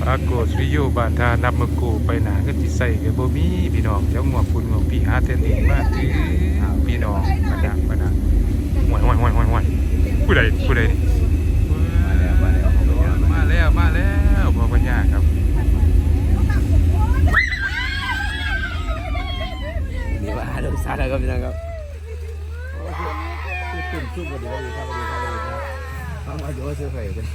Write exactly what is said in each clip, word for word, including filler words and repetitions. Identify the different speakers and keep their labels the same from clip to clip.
Speaker 1: ปรากฏวิโยบานทานับมะกูไปหนาก็ติใส่กับบ่มีพี่น้องเดี๋ยวงวปุ่นงวพี่หาเทนเองมาถือพี่น้องมาดังมาดังห่วยห่วยห่วยห่วยห่วยผู้ใดผู้ใดมาแล้วมาแล้วพ่อปัญญาครับ
Speaker 2: นี่ว่าดูสาระครับพี่น้องครับตุ่มชุ่มกันดีครับดีครับดีครับดีครับฟังมาอยู่ว่าซื้อไข่กัน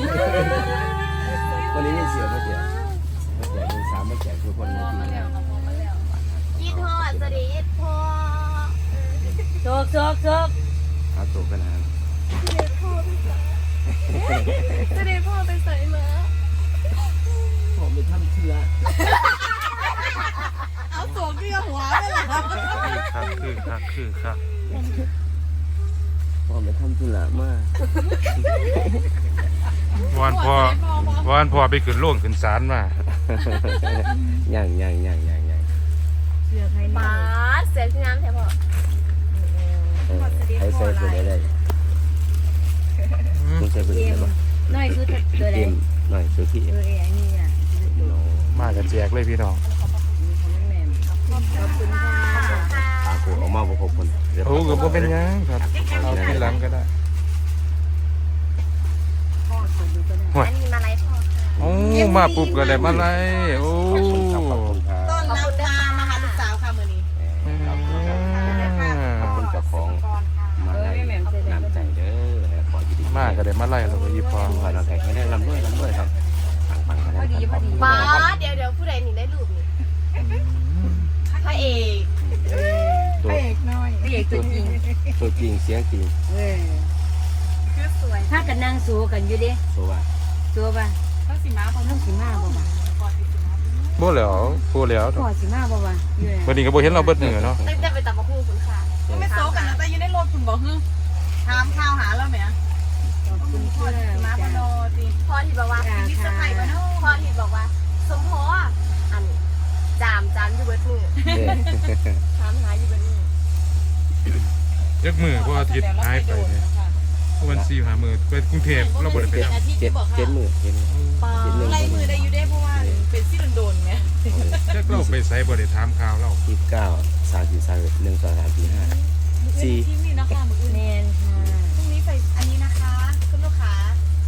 Speaker 2: วันนี้ไม่เสียไม่เสียไม่เสียมือสามไม่แจกทุกคนเลยที
Speaker 3: ยี่ทอดสวัสดียี่ทอดโชกโชกโชก
Speaker 2: เอาตัวกันนะ
Speaker 3: สวัสดีพ่อไปใส่มา
Speaker 2: ผมไปทำเชื่อ
Speaker 3: เอาตัวเกลือหัวเลยล่ะ
Speaker 1: ครับคือครับคือครับ
Speaker 2: ผมไปทำธุระมาก
Speaker 1: วอนพ่อวอนพ่อไปขึ้นโล่งขึ้นศาลมา
Speaker 2: ย่างย่างย่างย่างย่าง
Speaker 3: เสือใครมาเสือที่น้ำแถวพ่อ
Speaker 2: ใช้ใส่ตัวได้เลยต้องใช้ตัวได้ปะ
Speaker 3: น้อยคือตัวไหน
Speaker 2: หน่อยตัวที่
Speaker 3: ตัวเองนี่อ่ะ
Speaker 1: มากันแจกเลยพี่น้อง
Speaker 3: ขอบคุณค่ะ
Speaker 2: ตากูออกมาบุคคล
Speaker 1: โอ้ก็บ่เป็นยังครับเอาทีหลังก็ได้
Speaker 3: อันนี้มาไล่พ่อ
Speaker 1: โอ้มาปุ๊บก็ได้มาไล่โอ้
Speaker 3: ต้อนรับค่ะมาหาลูกสาวค่ะมื้อนี้
Speaker 2: ขอบคุณเจ้าของมาไล่น้ำใจเด้อขอยินดี
Speaker 1: มาก็ได้มาไล่เราก็ยิบพอ
Speaker 2: ขอเราแข่งให้ได้ลำด้วยลำด้วยครับปังๆกันได้
Speaker 3: ป้าเดี๋ยวเดี๋ยวผู้ใดนี่ได้รูปนี่พระเอก
Speaker 2: พระเอก
Speaker 3: น้อยพระเอกตัวจริง
Speaker 2: ตัวจริงเสียงจริง
Speaker 3: เออคือสวยถ้ากันนั่งสู้กันอยู่ดิ
Speaker 2: สู้ป่ะ
Speaker 3: สู้ป่ะเขาสิมาเขาต้องสิมาบ่ป่ะ
Speaker 1: บ่แล้วบ่แล้ว
Speaker 3: พอสิมาบ่ป่ะ
Speaker 1: วันนี้ก็บ่เห็นเราเบิดเหนือเนาะ
Speaker 3: ตั้งแต่ไปตับมะฮู้คุณค่ะไม่โซกันแล้วแต่อยู่ในรถคุณบ่ฮึถามข่าวหาแล้วแหมขอบคุณพ่อมาบ่ดอติพ่อที่บอกว่ามีเซอร์ไพรส์บ่เนาะพ่อที่บอกว่าสมพออันจามจามอยู่เบิดมือถามหาอยู่เบิดมือ
Speaker 1: เจ็ดมือเพราะอาทิตย์หายไปเนี่ยวันสี่หามือไปกรุงเทพเราบ่ได้ไปทำ
Speaker 2: เจ็ดเจ็ดมือเจ็ด
Speaker 3: มือไล่มือได้อยู่ได้เพราะว่าเป็นซี่โดนๆไง
Speaker 1: เจ็ดเราไปใส่บ่ได้ถามข่าวเรา
Speaker 2: ยี่สิบเก้าสามสี่สามหนึ่งสองสามสี่ห้าสี่
Speaker 3: ที่นี่นะคะมืออื่นแมนค่ะพรุ่งนี้ไปอันนี้นะคะคุณลูกค้า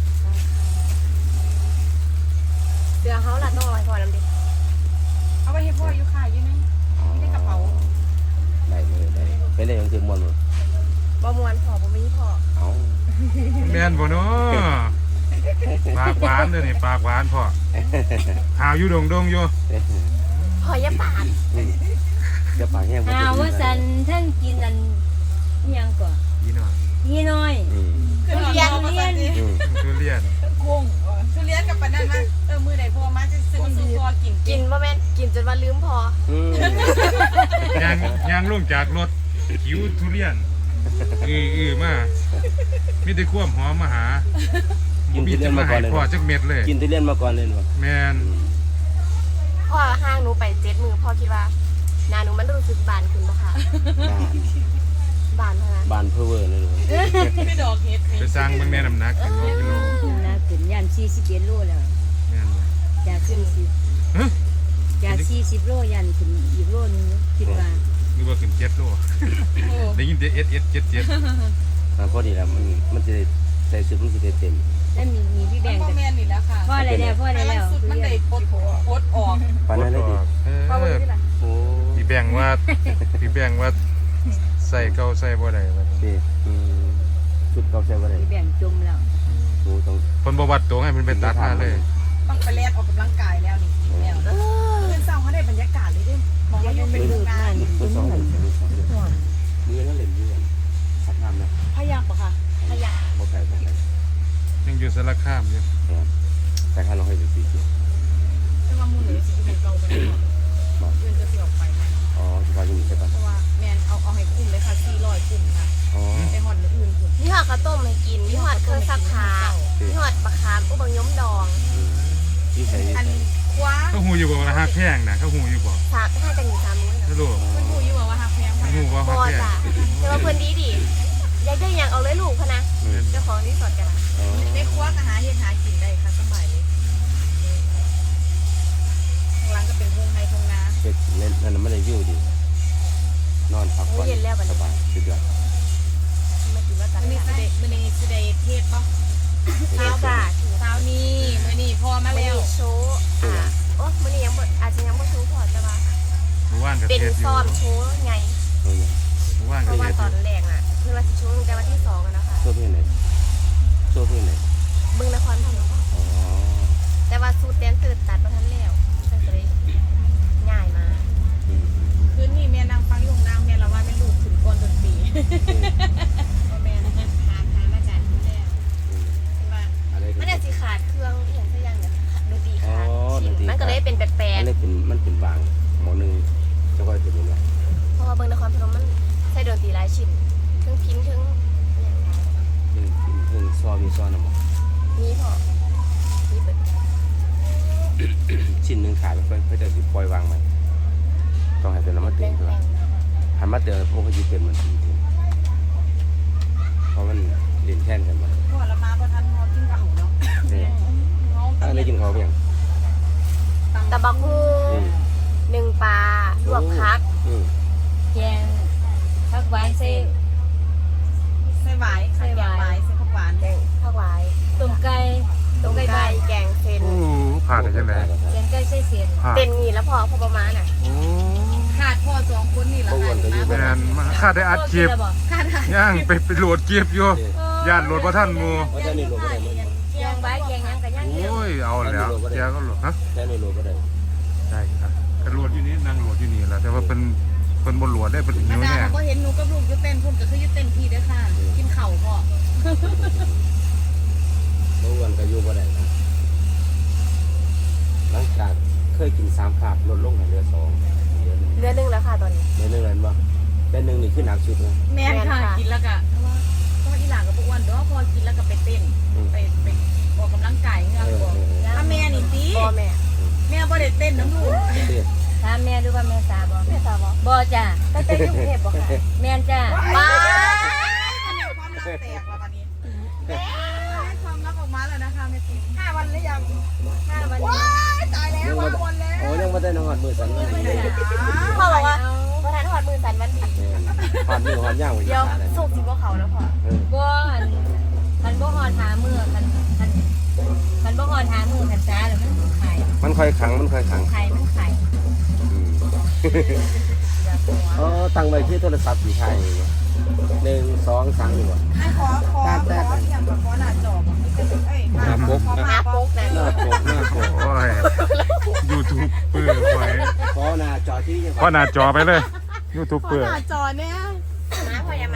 Speaker 3: เดี๋ยวเขาหลัดต้องเอาไว้ก่อนน้ำดิเอาไว้ให้พ่ออยู่ค่ะอยู่ในในกระเป๋า
Speaker 2: ได้เลยได้เป็นได้ยังคือมวนเลย
Speaker 3: บ่มวนพอบ่มีพอ
Speaker 2: เอา
Speaker 1: แม่นบ่เนาะปากหวานเด้อนี่ปากหวานพ่อข่าวอยู่ดงดงอยู่
Speaker 3: พออย่าปาก
Speaker 2: จะปากแห้ง
Speaker 3: อ้าวว่าสันท่านกินอันยังก่อน
Speaker 1: ยี่น้อย
Speaker 3: ยี่น้อยทุเรียนทุเรียน
Speaker 1: ทุเรียน
Speaker 3: กุ้งทุเรียนกับปนนั่นมั้ยเออมื้อใดพ่อมาจะซื้อซื้อพอกินกินบ่แม่นกินจนว่าลืมพ
Speaker 1: อย่างย่างลงจากรถหิวทุเรียนอืออือมามีแต่ความหอมมาหา
Speaker 2: กินทุเรียนมาก่อนเลย
Speaker 1: พ่อจักเม็ดเลย
Speaker 2: กินทุเรียนมาก่อนเลยบ่
Speaker 1: แม่น
Speaker 3: พ่อห้างหนูไปเจ็ดมื้อพ่อคิดว่าหน้าหนูมันรู้สึกบานขึ้นบ่คะบานเท่านั้น
Speaker 2: บานเพ้อเวอร์เลย
Speaker 3: ไม่ดอกเฮ็ด
Speaker 1: ไปสร้างเบิ่งแม่น้ำหนักกันกิโล
Speaker 3: น้ำขึ้นยันสี่สิบเอ็ดโลแล้ว
Speaker 1: แม่น
Speaker 3: จากสี่สิบฮะจากสี่สิบโลยันขึ้นอีกโลนึงคิดว่า
Speaker 1: นึกว่าขึ้นเจ็ดโลได้ยินแต่เอสเอสเจ็ดเจ็ด
Speaker 2: พอดีแล้วมันมันจะใส่ชุดมันจะเต็ม
Speaker 3: แล้วมีมีพี่แบงค์กับแม่นี่แล้วค่ะพ่ออะไรแล้วพ่ออะไรแล้วสุดมันได้ปลดปลดออก
Speaker 2: ปานนั้นเลยดิ
Speaker 3: พ่อบ่ได้ล่ะ
Speaker 1: โอ้พี่แบงค์ว่าพี่แบงค์ว่าใส่เก่าใส่บ่ได้ว่า
Speaker 2: สิอืมชุดเก่าใส่บ่ได้
Speaker 3: พี่แบงค์จมแล้ว
Speaker 2: โอ้ต้อง
Speaker 1: เพิ่นบ่วัดตัวให้มันเป็นตัดมาเลย
Speaker 3: ต้องไปเล่นออกกำลังกายแล้วนี่แล้วเออเพิ่นเศร้าเขาได้บรรยากาศเลยเด้มองว่าอยู่เป็นงาน
Speaker 2: เป็นสองมือนั่นเล่นอยู่สักน้ำนะ
Speaker 3: พยักบ่ค่ะพยัก
Speaker 2: บ่ไกลบ่ไกล
Speaker 1: ยังอยู่สารคามอยู่
Speaker 2: แต่ถ้าเราให้ดูสีเขียว
Speaker 3: แต่ว่ามูลเหนือสีเหมือนเก่าไปเลยเงินจะเสียออกไป
Speaker 2: อ๋อที่ว่าอยู่ใช่ปะ
Speaker 3: เพราะว่าแมนเอาเอาให้คุ้มเลยค่ะสี่ร้อยคุ้มค่ะไอหอดอื่นคุณนี่หอดข้าวต้มให้กินนี่หอดเครื่องซักผ้านี่หอดบะขามอุบังย้มดองอันคว้า
Speaker 1: เขาหูอยู่บ่ว่าฮักแพงนะเขาหูอยู่บ่
Speaker 3: สามให้กันอยู่สามมื้อนะ
Speaker 1: รู้
Speaker 3: เพิ่นหูอยู่ว่าฮักแพงไหมหูว่าฮักแพงแต่ว่าเพิ่นดีดิอยากได้ยังเอาเลยลูกพะนะเจ้าของรีสอร์ทกันได้คว้าอาหารเฮ็ดหากินได้ค่ะสบายเลย
Speaker 2: วิวดีนอนพักผ่อนสบายสุดยอด
Speaker 3: มันถือว่าตัดนี่สิเดมื้อนี้สิได้เทศบ่เทศจ้ะเช้านี้มื้อนี้พอมาแล้วโชว์อ่าโอ้มื้อนี้ยังบ่อาจจะยังบ่โชว์พอแต่ว่า
Speaker 1: หมู่บ้านก็
Speaker 3: เป็น
Speaker 1: เทศอยู่
Speaker 3: ซ้อมโชว์ไง
Speaker 1: หมู่บ้าน
Speaker 3: เพ
Speaker 1: ก็
Speaker 3: ราะ
Speaker 1: เท
Speaker 3: ว่า
Speaker 1: ศ
Speaker 3: ต
Speaker 1: อ
Speaker 3: อน
Speaker 1: ยู่
Speaker 3: แรกอ่ะเพิ่นว่าสิโชว์ตั้งแต่วันที่สองอะนะคะ
Speaker 2: โชว์เพื่อนไหนโชว์เพื่อนไหน
Speaker 3: เบิ่งนครพนม
Speaker 2: อ๋อ
Speaker 3: แต่ว่าสูตรแดนเซอร์ตัดบ่ทันแล้วก็เลยง่ายมา
Speaker 4: คืนนี้แม่นางฟังอยู่นางแม่ละว่าเป็นลูกถึงก่อนดนตรีว่าแม่นะหาหามาจากที่แรกว่า
Speaker 2: อะไร
Speaker 3: มันน่ะสิขาดเครื่องอีหยังสักอย่างเนี่ยดนตรี
Speaker 2: อ๋อ
Speaker 3: ขาด
Speaker 2: ดนตรี
Speaker 3: มันก็เลยเป็นแปลก
Speaker 2: อันนี้เป็นมันเป็นบางหมอหนึ่งจะค่อยเป็นยังไง
Speaker 3: ๆเพราะว่าเบิ่งนครพนมมันใช้ดนตรีหลายชิ้นเครื่องพิมพ์เครื่องอหย่างหลาย
Speaker 2: เพิ่งเพิ่งซ้อมีซ้อนนะหมอ
Speaker 3: มีพอมีเบิด
Speaker 2: ชิ้นหนึ่งขายไม่ค่อยไม่ได้ปล่อยวางไหมต้องให้เป็นน้ำมันเต็
Speaker 3: แปล
Speaker 2: ม
Speaker 3: ง
Speaker 2: ใช่ไหม
Speaker 3: ๆ
Speaker 2: หันมาเตือนพวกเขาจะเต็มมันทีเดียวเพราะมันเรียนแท่นกันมา
Speaker 4: พ่อละมาบ่ทันฮอดกินข้าวเนาะ
Speaker 2: เนี่ย
Speaker 4: เงา
Speaker 2: อันนี้กินเขาเพียง
Speaker 3: ตะบักฮูหนึ่งปลาลวกพัก
Speaker 2: อืม
Speaker 5: แกงผักหวานใส่
Speaker 4: ใส่หวายใส่หวายใส่ผักหวาน
Speaker 3: แกงผักหวาย
Speaker 5: ต้มไก่
Speaker 3: ต้มไก่แกงเส้น
Speaker 1: โอ้ผ่านได้จังได๋
Speaker 5: แกงไก่ใส่เสียน
Speaker 1: ผ่าน
Speaker 3: เป็นงี้แล้วพอพอประมาณน่ะ
Speaker 1: โอ้
Speaker 4: ขาดพ่อสองคนนี่ละค่ะนี่
Speaker 1: แม่
Speaker 4: มาน
Speaker 1: มาคาดได้อัดคลิป
Speaker 5: บ่
Speaker 4: ขาดหา
Speaker 1: ย่างไปไปโหลดคลิปอยู่ย่านโหลดบ่ทันหมู่
Speaker 2: ว่าจะนี่โหลก็ได้มั้ย
Speaker 5: แกงใบแกงหยังก็ยัง
Speaker 1: โอ้ยเอาแล้วแกก็โหลดฮะ
Speaker 2: แค่นี่โหลก็ได้
Speaker 1: ใช่ครับก็โหลดอยู่นี่นั่งโหลดอยู่นี่แหละแต่ว่าเป็นเพิ่นบ่โหลดได้เพิ่นหิ
Speaker 4: มาว ดา
Speaker 1: แน่
Speaker 4: เขาก็เห็นหนูกับลูกอยู่เต้นพุ่นก็คืออยู่เต้นพี่เด้อค่ะ กินข้าวพ่อ
Speaker 2: เมื่อวันก็อยู่ก็ได้นะหลังจากเคยกินสามขาบลดลงเหลือสองเดือน
Speaker 3: เรือหนึงแล้วค่ะตอนนี้
Speaker 2: เดือนหนึ่งเลยมั้งเดือนหนึ่งนี่ขึ้นหนักสุดนะ
Speaker 4: แม่นค่ะกินแล้วก็เพราะว่าเพราะว่าอีหลานกับพวกอ้วนเด้อพอกินแล้วก็ไปเต้นไปไปออกกำลังกายเงือกบ่ถ้าแม่นี่ติ
Speaker 3: พ่อแม่
Speaker 4: แม่บ่ได้เต้นน้ำลูก
Speaker 2: เด็ด
Speaker 5: ถามแม่ดูว่าแม่สาบ่
Speaker 3: แม่สาวบอก
Speaker 5: บ่จ้ะ
Speaker 3: ตั้งแต่อยู่กรุงเทพบอกค่ะ
Speaker 5: แม่นจ้ะ
Speaker 3: ป้า
Speaker 4: ความรักแตกแล้วตอนนี้ความรักออกมาแล้วนะคะแม่ติ๊กห้าวันหรือยัง
Speaker 5: ถ้าวัน
Speaker 4: ว้ายตายแล้ว
Speaker 2: ยัง
Speaker 4: ห้า
Speaker 2: มา
Speaker 4: วันแล้ว
Speaker 2: โอ้ยังมาได้นอนมือสั่นเลย
Speaker 3: พ่อบอกว่าประธานหอดมือสันวันดี
Speaker 2: ผ่านมือผ่านย่าง
Speaker 3: เดี๋ยวสุกสิบ่เขาแล้วพ่อ
Speaker 5: บ่อันคันบ่ฮอดหามื้อคันคันคันบ่ฮอดหามื้อคันจ้าแล้วมันไข่
Speaker 2: มันค่อยขังมันค่อยขัง
Speaker 5: ไข่มันไข่
Speaker 2: เออตั้งไว้ที่โทรศัพท์สีไทยหนึ่งสองสามดีกว่า
Speaker 4: ให้ขอขอขอเทียมกับขอหน้าจอบอกเอ้ย
Speaker 2: หน้าปก
Speaker 3: หน้าปกนะ
Speaker 2: หน้าปกหน้าปก
Speaker 1: โอ้ย YouTube เปื้อไว้
Speaker 2: ขอหน้าจอที่ยัง
Speaker 1: พอหน้าจอไปเลย YouTube
Speaker 4: ขอ
Speaker 1: เปื้อ
Speaker 4: หน้าจอเนี่ย
Speaker 3: มาพ่ออย่ามา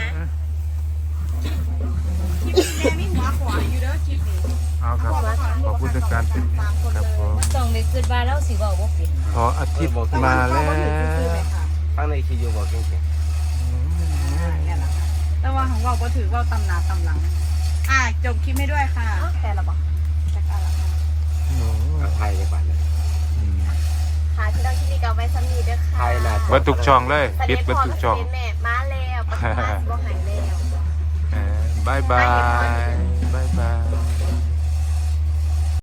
Speaker 4: คลิปนี้แม่มีหัวขวาอยู่เด้อคลิปนี้
Speaker 1: เอาครับขอบคุณทุกการติดตามครับผม
Speaker 5: ต้องได้คิดว่าเราสิเว้าบ่เป็น
Speaker 1: พออาทิตย์มาแล้ว
Speaker 2: ข้างในคียูบอกเก่ง
Speaker 4: เนี่ยแหละค่ะแต่ว่าของเราก็ถือว่าตำหนาตำหลัง อ่ะจบคลิปให้ด้วยค่ะ
Speaker 3: อ๋อแต่ละบอก
Speaker 4: จากอะไรค่ะ
Speaker 2: ๆกับไทยในบ้านเลย
Speaker 3: ค่ะที่เราคิดดีกับไว้ซ้ำนี้เด้อค่ะ
Speaker 2: ไทยน่ะ
Speaker 1: เบิดทุกช่องเลยปิดเบิดทุกช่อง
Speaker 3: แม่มาแล้วปัสสาวะสิบ่หายแล้ว
Speaker 1: เออบายบาย